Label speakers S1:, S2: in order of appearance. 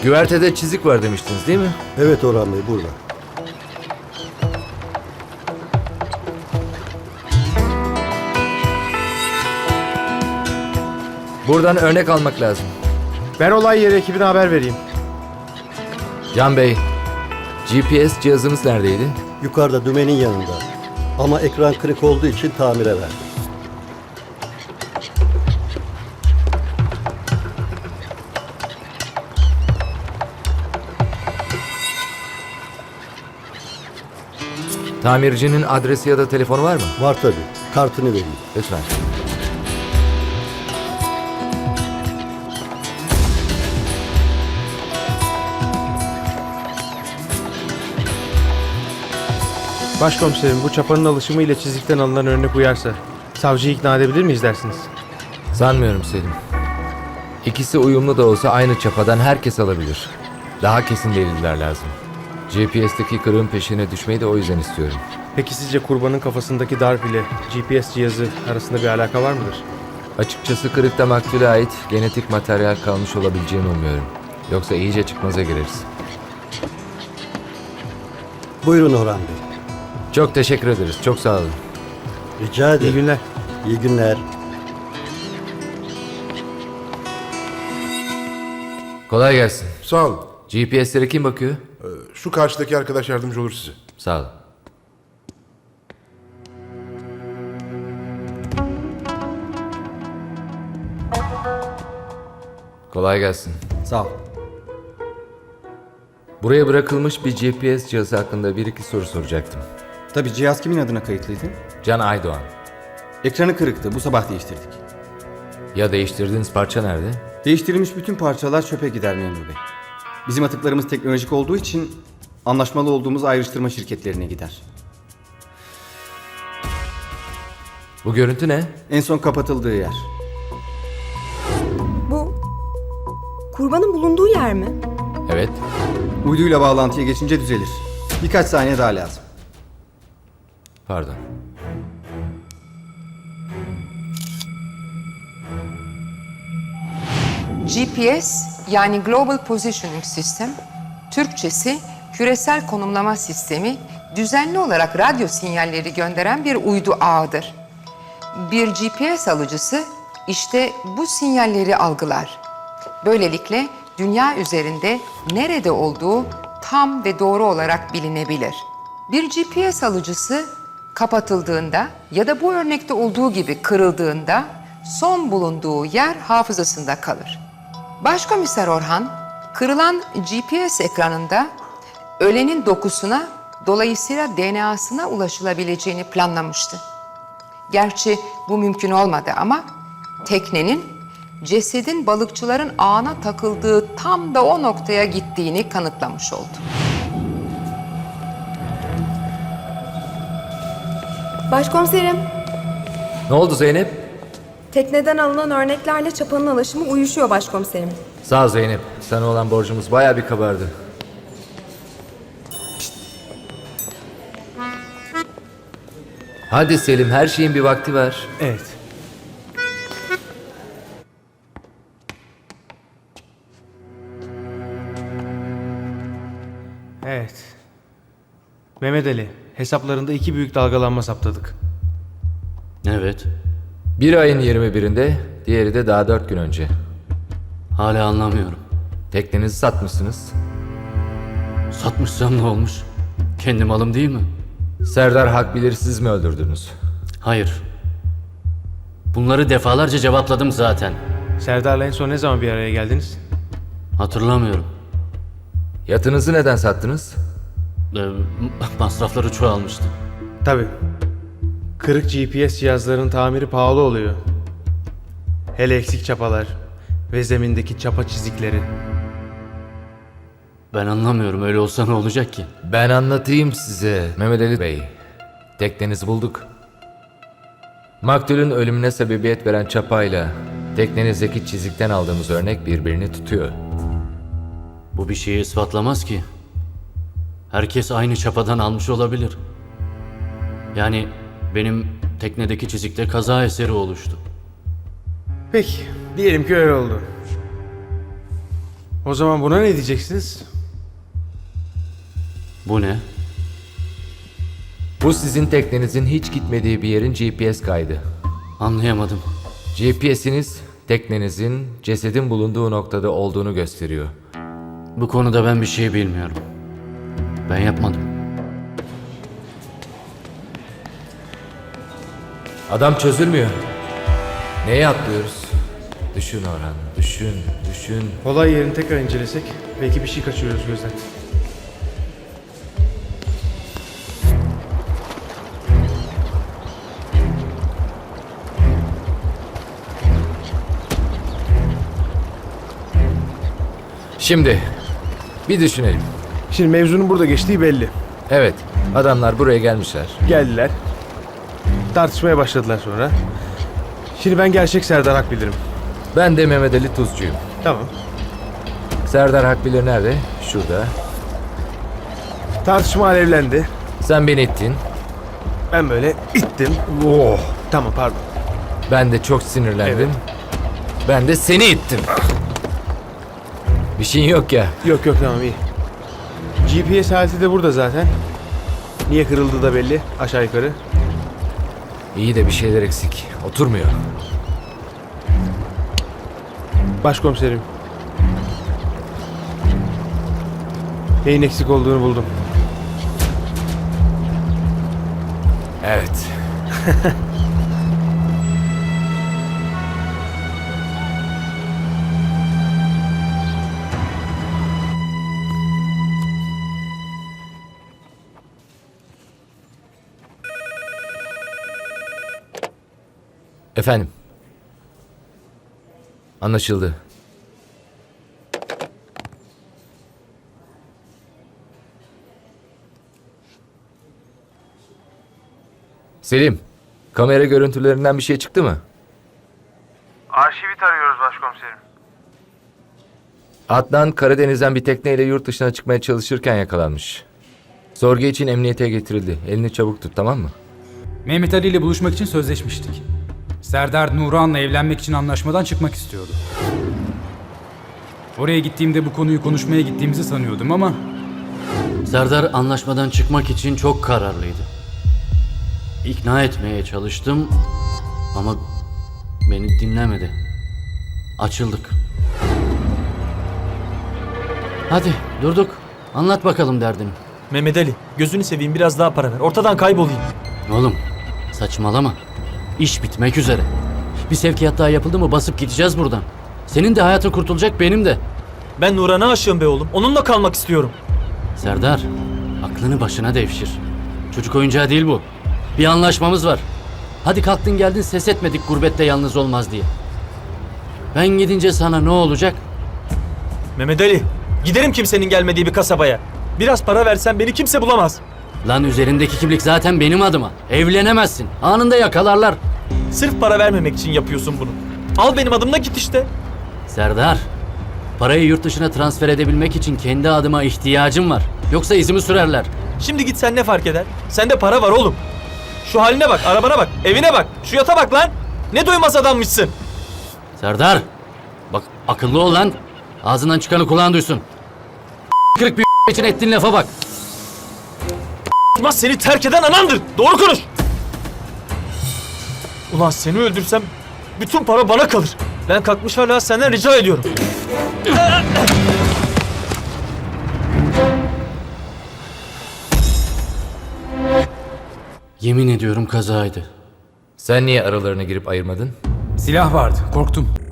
S1: Güvertede çizik var demiştiniz değil mi?
S2: Evet Orhan Bey, burada.
S1: Buradan örnek almak lazım.
S3: Ben olay yeri ekibine haber vereyim.
S1: Can Bey, GPS cihazınız neredeydi?
S2: Yukarıda dümenin yanında. Ama ekran kırık olduğu için tamire verdim.
S1: Tamircinin adresi ya da telefonu var mı?
S2: Var tabii. Kartını vereyim.
S1: Lütfen.
S3: Başkomiserim, bu çapanın alışımı ile çizikten alınan örnek uyarsa savcıyı ikna edebilir miyiz dersiniz?
S1: Sanmıyorum Selim. İkisi uyumlu da olsa aynı çapadan herkes alabilir. Daha kesin deliller lazım. GPS'teki kırığın peşine düşmeyi de o yüzden istiyorum.
S3: Peki sizce kurbanın kafasındaki darp ile GPS cihazı arasında bir alaka var mıdır?
S1: Açıkçası kırıkta maktule ait genetik materyal kalmış olabileceğini umuyorum. Yoksa iyice çıkmaza gireriz.
S2: Buyurun Orhan Bey.
S1: Çok teşekkür ederiz. Çok sağ olun.
S2: Rica ederim.
S3: İyi günler.
S2: İyi günler.
S1: Kolay gelsin.
S4: Sağ olun.
S1: GPS'lere kim bakıyor?
S4: Şu karşıdaki arkadaş yardımcı olur size.
S1: Sağ olun. Kolay gelsin.
S5: Sağ ol.
S1: Buraya bırakılmış bir GPS cihazı hakkında bir iki soru soracaktım.
S5: Tabii cihaz kimin adına kayıtlıydı?
S1: Can Aydoğan.
S5: Ekranı kırıktı. Bu sabah değiştirdik.
S1: Ya değiştirdiğiniz parça nerede?
S5: Değiştirilmiş bütün parçalar çöpe gider memur bey. Bizim atıklarımız teknolojik olduğu için anlaşmalı olduğumuz ayrıştırma şirketlerine gider.
S1: Bu görüntü ne?
S5: En son kapatıldığı yer.
S6: Bu kurbanın bulunduğu yer mi?
S1: Evet.
S5: Uyduyla bağlantıya geçince düzelir. Birkaç saniye daha lazım.
S1: Pardon.
S7: GPS yani Global Positioning System, Türkçesi küresel konumlama sistemi, düzenli olarak radyo sinyalleri gönderen bir uydu ağıdır. Bir GPS alıcısı işte bu sinyalleri algılar. Böylelikle dünya üzerinde nerede olduğu tam ve doğru olarak bilinebilir. Bir GPS alıcısı kapatıldığında ya da bu örnekte olduğu gibi kırıldığında son bulunduğu yer hafızasında kalır. Başkomiser Orhan, kırılan GPS ekranında ölenin dokusuna, dolayısıyla DNA'sına ulaşılabileceğini planlamıştı. Gerçi bu mümkün olmadı ama teknenin cesedin balıkçıların ağına takıldığı tam da o noktaya gittiğini kanıtlamış oldu.
S6: Başkomiserim,
S1: Ne oldu Zeynep?
S6: tekneden alınan örneklerle çapanın alaşımı uyuşuyor başkomiserim.
S1: Sağ ol Zeynep. Sana olan borcumuz bayağı bir kabardı. Hadi Selim, her şeyin bir vakti var.
S3: Evet. Evet. Mehmet Ali, hesaplarında 2 büyük dalgalanma saptadık.
S8: Evet.
S1: Bir ayın 21'inde, diğeri de daha 4 gün önce.
S8: Hala anlamıyorum.
S1: Teknenizi satmışsınız.
S8: Satmışsam ne olmuş? Kendi malım değil mi?
S1: Serdar Hakbilir siz mi öldürdünüz?
S8: Hayır. Bunları defalarca cevapladım zaten.
S3: Serdar'la en son ne zaman bir araya geldiniz?
S8: Hatırlamıyorum.
S1: Yatınızı neden sattınız?
S8: Masrafları çoğalmıştı.
S3: Tabii. Kırık GPS cihazların tamiri pahalı oluyor. Hele eksik çapalar ve zemindeki çapa çizikleri.
S8: Ben anlamıyorum. Öyle olsa ne olacak ki?
S1: Ben anlatayım size Mehmet Ali Bey. Teknenizi bulduk. Maktulün ölümüne sebebiyet veren çapayla teknenizdeki çizikten aldığımız örnek birbirini tutuyor.
S8: Bu bir şeyi ispatlamaz ki. Herkes aynı çapadan almış olabilir. Yani benim teknedeki çizikte kaza eseri oluştu.
S3: Peki, diyelim ki öyle oldu. O zaman buna ne diyeceksiniz?
S8: Bu ne?
S1: Bu sizin teknenizin hiç gitmediği bir yerin GPS kaydı.
S8: Anlayamadım.
S1: GPS'iniz teknenizin cesedin bulunduğu noktada olduğunu gösteriyor.
S8: Bu konuda ben bir şey bilmiyorum. Ben yapmadım.
S1: Adam çözülmüyor. Neye atlıyoruz? Düşün Orhan, düşün.
S3: Olay yerini tekrar incelesek belki bir şey kaçırıyoruz gözden.
S1: Şimdi bir düşünelim.
S3: Şimdi mevzunun burada geçtiği belli.
S1: Evet, adamlar buraya gelmişler.
S3: Geldiler. Tartışmaya başladılar sonra. Şimdi ben gerçek Serdar Akbilir'im.
S1: Ben de Mehmet Ali Tuzcuyum.
S3: Tamam.
S1: Serdar Akbilir nerede? Şurada.
S3: Tartışma alevlendi.
S1: Sen beni ittin.
S3: Ben böyle ittim. Oh. Tamam pardon.
S1: Ben de çok sinirlendim.
S3: Evet.
S1: Ben de seni ittim. Bir şeyin yok ya.
S3: Yok tamam iyi. GPS aleti de burada zaten. Niye kırıldı da belli aşağı yukarı.
S1: İyi de bir şeyler eksik. Oturmuyor.
S3: Başkomiserim. Neyin eksik olduğunu buldum.
S1: Evet. Efendim. Anlaşıldı. Selim, kamera görüntülerinden bir şey çıktı mı?
S3: Arşivi tarıyoruz başkomiserim.
S1: Adnan Karadeniz'den bir tekneyle yurt dışına çıkmaya çalışırken yakalanmış. Sorgu için emniyete getirildi. Elini çabuk tut, tamam mı?
S9: Mehmet Ali ile buluşmak için sözleşmiştik. Serdar Nuran'la evlenmek için anlaşmadan çıkmak istiyordu. Oraya gittiğimde bu konuyu konuşmaya gittiğimizi sanıyordum ama
S8: Serdar anlaşmadan çıkmak için çok kararlıydı. İkna etmeye çalıştım ama beni dinlemedi. Açıldık. Hadi durduk. Anlat bakalım derdini.
S10: Mehmet Ali, gözünü seveyim biraz daha para ver. Ortadan kaybolayım.
S8: Oğlum saçmalama. İş bitmek üzere. Bir sevkiyat daha yapıldı mı basıp gideceğiz buradan. Senin de hayatın kurtulacak, benim de.
S10: Ben Nuran'a aşığım be oğlum. Onunla kalmak istiyorum.
S8: Serdar, aklını başına devşir. Çocuk oyuncağı değil bu. Bir anlaşmamız var. Hadi kalktın geldin, ses etmedik gurbette yalnız olmaz diye. Ben gidince sana ne olacak?
S10: Mehmet Ali, giderim kimsenin gelmediği bir kasabaya. Biraz para versen beni kimse bulamaz.
S8: Lan üzerindeki kimlik zaten benim adıma. Evlenemezsin. Anında yakalarlar.
S10: Sırf para vermemek için yapıyorsun bunu. Al benim adımla git işte.
S8: Serdar, parayı yurt dışına transfer edebilmek için kendi adıma ihtiyacım var. Yoksa izimi sürerler.
S10: Şimdi gitsen ne fark eder? Sende para var oğlum. Şu haline bak, arabana bak, evine bak, şu yata bak lan. Ne doymaz adammışsın.
S8: Serdar, bak akıllı ol lan. Ağzından çıkanı kulağın duysun. Kırık bir için ettiğin lafa bak.
S10: Ulan seni terk eden anandır. Doğru konuş. Ulan seni öldürsem bütün para bana kalır. Ben kalkmış hala senden rica ediyorum.
S8: Yemin ediyorum kazaydı.
S1: Sen niye aralarına girip ayırmadın?
S9: silah vardı. Korktum.